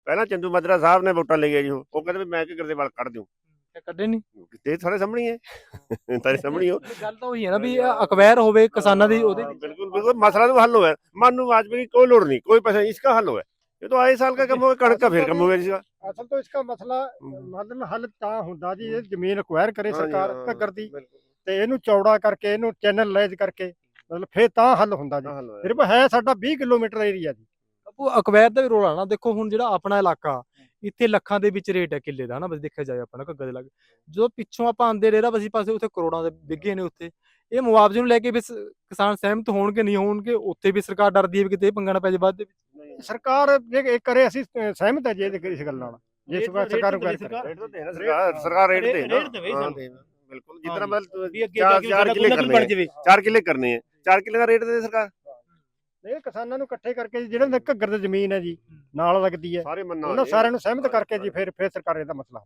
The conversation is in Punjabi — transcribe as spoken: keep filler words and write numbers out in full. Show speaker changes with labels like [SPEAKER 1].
[SPEAKER 1] ਪਹਿਲਾਂ ਚੰਦੂ ਮਾਜਰਾ ਸਾਹਿਬ ਨੇ ਵੋਟਾਂ ਲਈਆਂ ਜੀ, ਉਹ ਉਹ ਕਹਿੰਦੇ ਵੀ ਮੈਂ ਘੱਗਰ ਦੇ ਵਾਲ ਕੱਢ ਦਿਉ,
[SPEAKER 2] ਕੱਢੇ ਨਹੀਂ।
[SPEAKER 1] ਤੇ ਸਾਰੇ ਸਾਹਮਣੇ ਹੈ ਤਾਰੇ ਸਾਹਮਣੇ ਹੋ।
[SPEAKER 2] ਗੱਲ ਤਾਂ ਉਹੀ ਹੈ ਨਾ ਵੀ ਅਕਵੈਰ ਹੋਵੇ ਕਿਸਾਨਾਂ ਦੀ ਉਹਦੇ ਵਿੱਚ।
[SPEAKER 1] बिल्कुल बिल्कुल मसला तो हल हुआ है, मानू वाजपेयी की कोई लोड़ नहीं, कोई पैसा नहीं, इसका हल हुआ है। ये तो आए साल का कम होगा, कणक का फिर कम होगा इसका।
[SPEAKER 3] ਅਸਲ ਤੋਂ ਇਸका ਮਸਲਾ ਮਤਲਬ ਹੱਲ ਤਾਂ ਹੁੰਦਾ ਜੀ, ਇਹ ਜ਼ਮੀਨ ਅਕਵਾਇਰ ਕਰੇ ਸਰਕਾਰ ਘੱਗਰ ਦੀ ਤੇ ਇਹਨੂੰ ਚੌੜਾ ਕਰਕੇ ਇਹਨੂੰ ਚੈਨਲਾਈਜ਼ ਕਰਕੇ ਮਤਲਬ ਫੇਰ ਤਾਂ ਹੱਲ ਹੁੰਦਾ ਜੀ। ਸਿਰਫ ਹੈ ਸਾਡਾ ਵੀਹ ਕਿਲੋਮੀਟਰ ਏਰੀਆ ਜੀ।
[SPEAKER 2] ਉਹ ਅਕਵੈਰ ਦਾ ਵੀ ਰੋਲ ਆ ਨਾ। ਦੇਖੋ ਹੁਣ ਜਿਹੜਾ ਆਪਣਾ ਇਲਾਕਾ ਇੱਥੇ ਲੱਖਾਂ ਦੇ ਵਿੱਚ ਰੇਟ ਹੈ ਕਿੱਲੇ ਦਾ, ਹਨਾ ਬਸ ਦੇਖਿਆ ਜਾਏ ਆਪਣਾ ਘੱਗਰ ਦੇ ਲਾਗੇ, ਜਦੋਂ ਪਿੱਛੋਂ ਆਪਾਂ ਆਂਦੇ ਰੇਰਾ ਬਸੀ ਪਾਸੇ ਉੱਥੇ ਕਰੋੜਾਂ ਦੇ ਵਿੱਗੇ ਨੇ ਉੱਥੇ। ਇਹ ਮੁਆਵਜ਼ੇ ਨੂੰ ਲੈ ਕੇ ਵੀ ਕਿਸਾਨ ਸਹਿਮਤ ਹੋਣਗੇ ਨਹੀਂ ਹੋਣਗੇ, ਉੱਥੇ ਵੀ ਸਰਕਾਰ ਡਰਦੀ ਹੈ ਵੀ ਕਿਤੇ ਪੰਗਾ ਨਾ ਪੈ ਜਾਏ ਬਾਅਦ ਦੇ ਵਿੱਚ।
[SPEAKER 3] ਸਰਕਾਰ ਜੇ ਇਹ ਕਰੇ ਅਸੀਂ ਸਹਿਮਤ ਹੈ ਜੀ ਇਸ ਗੱਲ ਨਾਲ। ਜੇ ਸਰਕਾਰ ਨੂੰ ਕਰੇ
[SPEAKER 1] रेट तो देना सरकार, सरकार रेट दे
[SPEAKER 4] रेट देवे
[SPEAKER 1] हाँ,
[SPEAKER 4] ਸਾਨੂੰ।
[SPEAKER 1] देना, बिल्कुल जितना मतलब
[SPEAKER 4] ਵੀ ਅੱਗੇ
[SPEAKER 1] चार
[SPEAKER 4] ਜਾ ਕੇ
[SPEAKER 1] चार
[SPEAKER 4] ਸਾਡਾ
[SPEAKER 1] किले
[SPEAKER 4] ਕੋਈ
[SPEAKER 1] करने
[SPEAKER 4] ਬਣ
[SPEAKER 1] हैं,
[SPEAKER 4] ਜਾਵੇ।
[SPEAKER 1] चार किले करने हैं, चार किले का रेट दे सरकार।
[SPEAKER 3] ਇਹ ਕਿਸਾਨਾਂ ਨੂੰ ਇਕੱਠੇ ਕਰਕੇ ਜਿਹੜੇ ਘੱਗਰ ਦੀ ਜ਼ਮੀਨ ਹੈ ਜੀ ਨਾਲ ਲੱਗਦੀ ਹੈ,
[SPEAKER 1] सारे मन्ना
[SPEAKER 3] ਉਹਨਾਂ ਸਾਰਿਆਂ ਨੂੰ ਸਹਿਮਤ ਕਰਕੇ ਜੀ ਫਿਰ ਫਿਰ ਸਰਕਾਰ ਇਹਦਾ ਮਸਲਾ